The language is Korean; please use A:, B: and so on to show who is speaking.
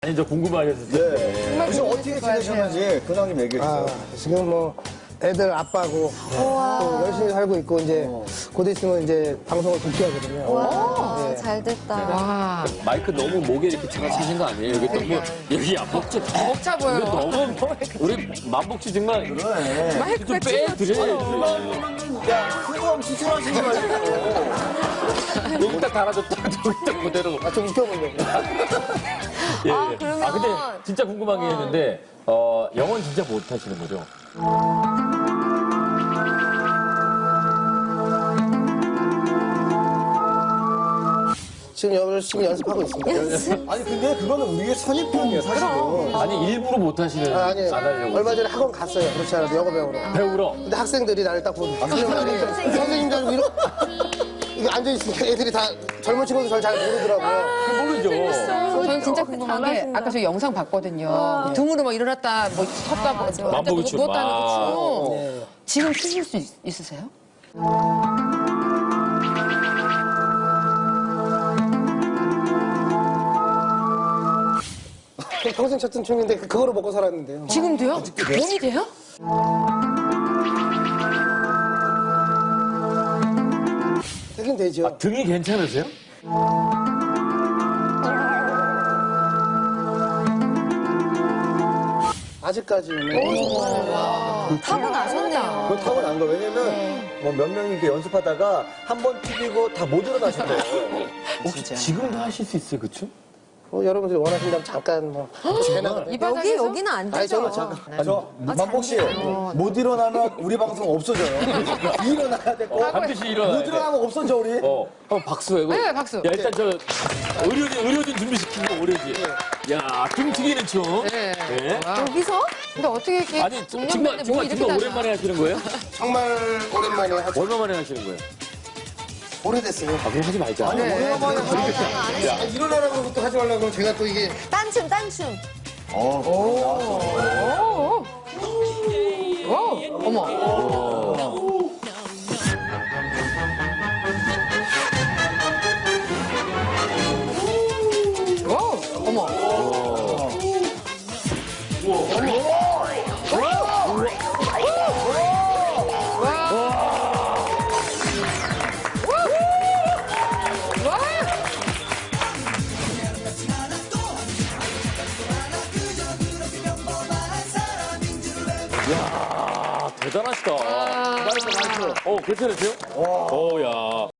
A: 아니 저 궁금하셨을 때.
B: 네. 혹시 어떻게 지내셨는지 근황님 얘기해 주세요.
C: 지금 뭐 애들 아빠고 또 열심히 살고 있고 이제 곧 있으면 이제 방송을 복귀하거든요.
D: 와,
C: 네.
D: 잘 됐다.
A: 마이크 너무 목에 이렇게 차신 거 아니에요? 여기 너무 여기 목차
E: 먹자 보여.
A: 이거 너무 우리 만복씨 정말 좀 빼드려야지.
B: 야, 그거 수술하신 거 아니에요?
A: 여기다 달아줬다 저기다 그대로.
C: 좀 웃겨보려고.
A: 예.
D: 아, 그러면-
A: 근데 진짜 궁금한 게 있는데 영어는 진짜 못 하시는 거죠?
C: 지금 열심히 연습하고 있습니다.
B: 아니, 근데 그거는 우리의 선입견이에요, 사실은.
A: 아니 일부러 못 하시는
C: 아니,
A: 안 하려고.
C: 얼마 전에 학원 갔어요. 그렇지 않아도 영어 배우러.
A: 배우러.
C: 근데 학생들이 나를 딱 보고 선생님들 알고 이렇게 앉아있으니까 애들이 다 젊은 친구들 저를 잘 모르더라고요.
A: 모르죠.
E: 저는 진짜 궁금한 게 아까 저 영상 봤거든요. 등으로 막 일어났다, 뭐 섰다, 뭐
A: 만보기 춤.
E: 누웠다는
A: 아.
E: 그 춤.
C: 네.
E: 지금 추실 수 있으세요?
C: 평생 췄던 춤인데 그거로 먹고 살았는데요.
E: 지금도요? 몸이 돼요?
C: 되긴 되죠.
A: 등이 괜찮으세요?
C: 아직까지는.
D: 타고나셨네요.
B: 그거 타고난 거. 왜냐면, 뭐 몇 명이 이렇게 연습하다가 한 번 튀기고 다 못 일어나신대요.
A: 혹시 지금도 하실 수 있어요, 그쵸?
C: 여러분들이 원하신다면 잠깐 뭐.
E: 이 바닥에서?
D: 여기는 안
C: 아니,
D: 되죠.
C: 저는
B: 저, 만복 씨, 못 일어나면 우리 방송 없어져요. 일어나야 될 거.
A: 반드시
B: 못
A: 일어나야 돼.
B: 일어나면 없어져, 우리.
A: 한번 박수 해고.
E: 네, 박수.
A: 야, 일단 저 의료진 준비시키고 의료진. 야, 등 튀기는 춤.
E: 네.
A: 네.
D: 여기서?
E: 근데 어떻게 이렇게
A: 아니,
E: 중년인데 몸이 이렇게
A: 정말
E: 다냐?
A: 오랜만에 하시는 거예요?
C: 정말 오랜만에 하죠.
A: 얼마 만에 하시는 거예요?
C: 오래됐어요.
A: 아, 그럼 하지 말자.
B: 오랜만에
C: 일어나라고 그러고 또 하지 말라고 그러면 제가 또 이게
D: 딴춤, 딴춤.
E: 오, 어머. 오, 어머.
A: 야, 대단하시다.
B: 나이스, 나이스.
A: 괜찮으세요? 야.